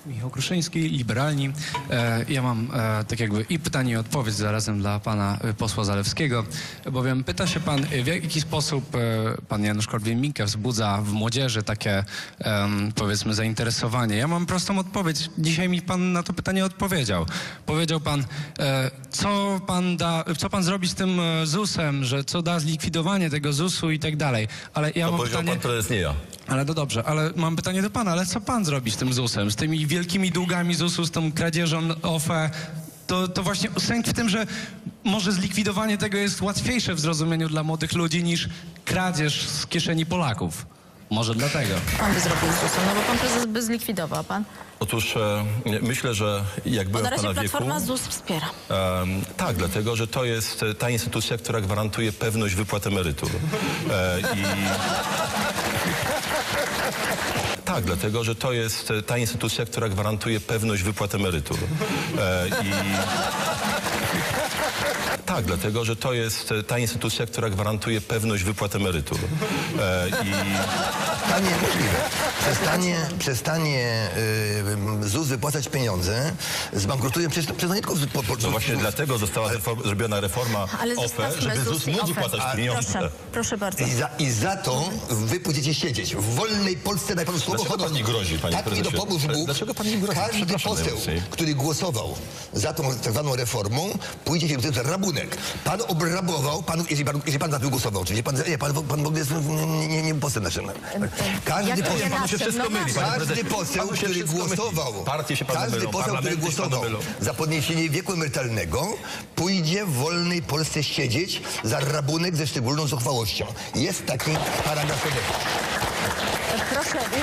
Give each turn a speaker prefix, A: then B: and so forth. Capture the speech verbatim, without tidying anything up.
A: Michał Kruszyński, Liberalni. E, ja mam e, tak jakby i pytanie i odpowiedź zarazem dla pana e, posła Zalewskiego, bowiem pyta się pan, w jaki sposób e, pan Janusz Korwin-Mikke wzbudza w młodzieży takie e, powiedzmy zainteresowanie. Ja mam prostą odpowiedź. Dzisiaj mi pan na to pytanie odpowiedział. Powiedział pan, e, co pan da, co pan zrobi z tym e, zusem, że co da zlikwidowanie tego zusu i tak dalej. Ale ja
B: To
A: mam
B: powiedział
A: pytanie...
B: pan, to jest nie ja.
A: Ale to dobrze, ale mam pytanie do pana, ale co pan zrobi z tym zusem, z tymi wielkimi długami zusu, z tą kradzieżą O F E? To, to właśnie sęk w tym, że może zlikwidowanie tego jest łatwiejsze w zrozumieniu dla młodych ludzi niż kradzież z kieszeni Polaków. Może dlatego.
C: Pan by zrobił z zusem, no bo pan prezes by zlikwidował, pan.
B: Otóż e, myślę, że jak
C: Bo
B: byłem
C: na
B: w
C: razie
B: pana wieku...
C: Platforma ZUS wspiera.
B: E, tak, dlatego, że to jest e, ta instytucja, która gwarantuje pewność wypłat emerytur. E, i... Tak, dlatego, że to jest e, ta instytucja, która gwarantuje pewność wypłat emerytur. E, i... Tak, dlatego, że to jest e, ta instytucja, która gwarantuje pewność wypłat emerytur. E, i...
D: Panie, możliwe. Przestanie, przestanie y, ZUS wypłacać pieniądze, zbankrutuje przez, przez nie tylko... Po, po,
B: No właśnie dlatego została reform, zrobiona reforma
C: Ale
B: O F E,
C: zostawmy
B: żeby
C: ZUS
B: ZUS
C: i
B: mógł
C: O F E.
B: wypłacać
C: A,
B: pieniądze.
C: Proszę, proszę bardzo.
D: I za, I za to wy pójdziecie siedzieć. W wolnej Polsce daj panu słowo
B: Dlaczego pan nie grozi, panie
D: tak
B: prezesie?
D: mi dopomóż Bóg.
B: Dlaczego pan nie grozi?
D: Każdy
B: Przepraszam
D: poseł,
B: najmocniej.
D: który głosował za tą tak zwaną reformą, pójdzie się za rabunek. Pan obrabował, pan, jeżeli, pan, jeżeli pan za tym głosował, oczywiście, pan, nie, pan, pan w ogóle jest nie, nie, nie posłem naszym. Każdy
C: Jak
D: poseł,
C: nie
B: Panu się
C: naszym,
B: wszystko
C: no
B: myli,
C: naszym.
B: panie
D: Każdy
B: prezesie.
D: poseł,
B: Panu się
D: który
B: wszystko myli.
D: głosował,
B: Partie się panu
D: każdy
B: mylą,
D: poseł, który
B: parlamenty się panu
D: głosował
B: mylą.
D: za podniesienie wieku emerytalnego, pójdzie w wolnej Polsce siedzieć za rabunek ze szczególną zuchwałością. Jest taki paragraf kodeksu.